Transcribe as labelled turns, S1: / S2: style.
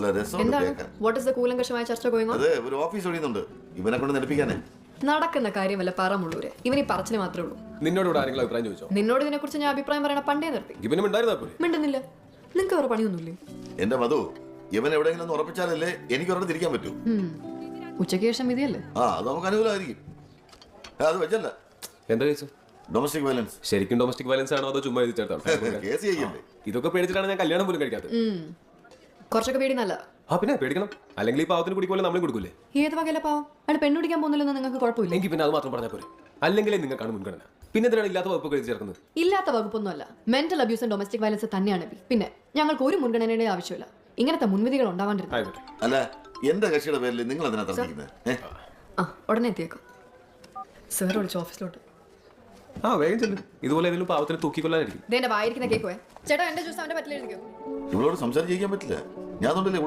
S1: നല്ല രസമുണ്ട്
S2: എന്താണ്
S1: കേൾക്കാൻ.
S2: വാട്ട് ഇസ് ദ കൂലങ്കഷമായ ചർച്ച ഗോയിങ് ഓൺ?
S1: അത് ഒരു ഓഫീസ് ഒഴിയുന്നുണ്ട് ഇവനെ കൊണ്ട് നെടുപ്പിക്കാനേ.
S2: നടക്കുന്ന കാര്യമല്ല പറമുള്ളൂര്. ഇവനീ പറച്ചിന് മാത്രമേ ഉള്ളൂ.
S3: നിന്നോട് ഇവിടെ ആരെങ്കിലും അഭിപ്രായം ചോദിച്ചോ?
S2: നിന്നോട് ഇതിനെ കുറിച്ച് ഞാൻ അഭിപ്രായം പറയണ പണ്ടേ നിർത്തി.
S3: ഇവനും ഉണ്ടായിരുന്നാ പോലെ.
S2: മിണ്ടുന്നില്ല. നിങ്ങൾക്ക് വേറെ പണിയൊന്നുമില്ലേ?
S1: എന്റെ മധു, ഇവൻ എവിടെയെങ്കിലും ഒന്ന് ഉറപ്പിച്ചാലല്ലേ എനിക്ക് ഒരെണ്ണം തിരിക്കാൻ പറ്റൂ.
S2: ഉച്ചയ്ക്ക് ശേഷം വിധിയല്ലേ?
S1: അത് നമുക്ക് അനുകൂലമായിരിക്കും. അത് വെച്ചല്ല,
S3: എന്താ കേസ്?
S1: Domestic violence.
S3: ശരിക്കും ഡൊമസ്റ്റിക് വയലൻസ് ആണോ അതോ ചുമ്മാ എഴുതി ചേർത്താണ്?
S1: കേസ് ചെയ്യണ്ടേ?
S3: ഇതൊക്കെ പേടിച്ചിട്ടാണ് ഞാൻ കല്യാണം പോലും കഴിക്കാത്തത്.
S2: കുറച്ചൊക്കെ പേടി നല്ല.
S3: പിന്നെ പേടിക്കണം, അല്ലെങ്കിൽ ഈ പാവത്തിന് കുടിക്കുമല്ലോ നമ്മളും കൊടുക്കൂലേ?
S2: ഏത് വകയിലെ പാവം? അയാൾ പെണ്ണുപിടിക്കാൻ പോകുന്നില്ലെന്ന് നിങ്ങൾക്ക് കുഴപ്പമില്ല.
S3: എങ്കിൽ പിന്നെ അത് മാത്രം പറഞ്ഞാൽ പോരെ. അല്ലെങ്കിലേ നിങ്ങൾക്കാണ് മുൻഗണന. പിന്നെ എന്തിനാണ് ഇല്ലാത്ത വകുപ്പ് എഴുതി ചേർക്കുന്നത്?
S2: ഇല്ലാത്ത വകുപ്പൊന്നുമല്ല, mental abuse and domestic violence തന്നെയാണ് ബി. പിന്നെ ഞങ്ങൾക്ക് ഒരു മുൻഗണനയുടെ ആവശ്യമില്ല. ഇങ്ങനത്തെ മുൻവിധികൾ ഉണ്ടാവാണ്ടിരുന്നു.
S3: ആയിക്കോട്ടെ.
S1: അല്ല, എന്റെ കക്ഷിയുടെ പേരിൽ നിങ്ങൾ അതിനാ തർക്കിക്കുന്നത്?
S2: ഉടനെ എത്തിയേക്കാം. സാർ വിളിച്ചു ഓഫീസിലോട്ട്.
S3: വേഗം ചെല്ലും. ഇതുപോലെ ഏതെങ്കിലും പാവത്തിന് തൂക്കിക്കൊല്ലാനായിരിക്കും.
S2: ഇതെന്റെ വായിരിക്കുന്ന കേക്കോയെ. ചേട്ടാ എന്റെ ജ്യൂസ് അവന്റെ പറ്റില്ല എഴുതിക്കോ.
S1: ഇവളോട് സംസാരിക്കാൻ പറ്റില്ല. ഞാൻ